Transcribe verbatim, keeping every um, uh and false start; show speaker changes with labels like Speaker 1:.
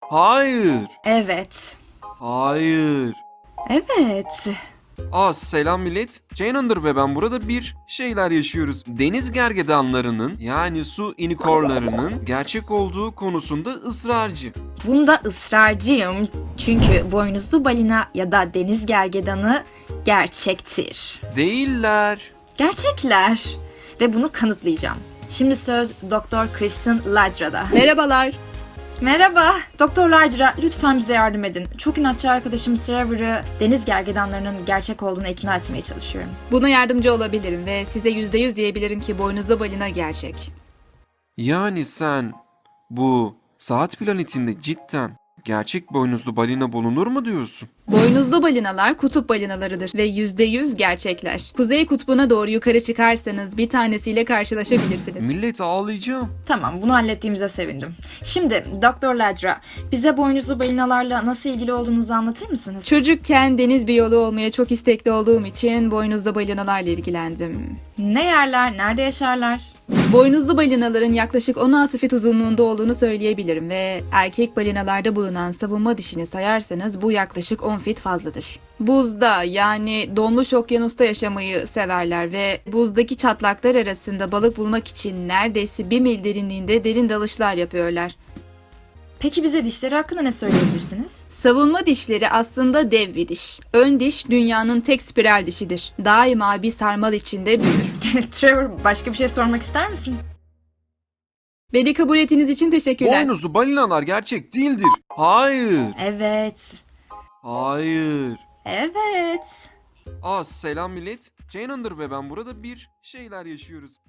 Speaker 1: Hayır.
Speaker 2: Evet.
Speaker 1: Hayır.
Speaker 2: Evet.
Speaker 1: Aa selam millet. Ceylandır ve ben burada bir şeyler yaşıyoruz. Deniz gergedanlarının yani su inikorlarının gerçek olduğu konusunda ısrarcı.
Speaker 2: Bunda ısrarcıyım. Çünkü boynuzlu balina ya da deniz gergedanı gerçektir.
Speaker 1: Değiller.
Speaker 2: Gerçekler. Ve bunu kanıtlayacağım. Şimdi söz Doktor Kristen Ladra'da.
Speaker 3: Merhabalar.
Speaker 2: Merhaba. Doktor Ladra, lütfen bize yardım edin. Çok inatçı arkadaşım Trevor'ı deniz gergedanlarının gerçek olduğunu ikna etmeye çalışıyorum.
Speaker 3: Buna yardımcı olabilirim ve size yüzde yüz diyebilirim ki boynuzlu balina gerçek.
Speaker 1: Yani sen bu saat planetinde cidden gerçek boynuzlu balina bulunur mu diyorsun?
Speaker 3: Boynuzlu balinalar kutup balinalarıdır ve yüzde yüz gerçekler. Kuzey kutbuna doğru yukarı çıkarsanız bir tanesiyle karşılaşabilirsiniz.
Speaker 1: Millet ağlayacağım.
Speaker 2: Tamam, bunu hallettiğimize sevindim. Şimdi Doktor Ladra, bize boynuzlu balinalarla nasıl ilgili olduğunuzu anlatır mısınız?
Speaker 3: Çocukken deniz biyoloğu olmaya çok istekli olduğum için boynuzlu balinalarla ilgilendim.
Speaker 2: Ne yerler, nerede yaşarlar?
Speaker 3: Boynuzlu balinaların yaklaşık on altı fit uzunluğunda olduğunu söyleyebilirim ve erkek balinalarda bulunan savunma dişini sayarsanız bu yaklaşık on fit fazladır. Buzda yani donmuş okyanusta yaşamayı severler ve buzdaki çatlaklar arasında balık bulmak için neredeyse bir mil derinliğinde derin dalışlar yapıyorlar.
Speaker 2: Peki bize dişleri hakkında ne söyleyebilirsiniz?
Speaker 3: Savunma dişleri aslında dev bir diş. Ön diş dünyanın tek spiral dişidir. Daima bir sarmal içinde büyür.
Speaker 2: Trevor, başka bir şey sormak ister misin?
Speaker 3: Beni kabul ettiğiniz için teşekkürler.
Speaker 1: Boynuzlu balinalar gerçek değildir. Hayır.
Speaker 2: Evet.
Speaker 1: Hayır.
Speaker 2: Evet.
Speaker 1: Aa selam millet. Ceylandır ve ben burada bir şeyler yaşıyoruz.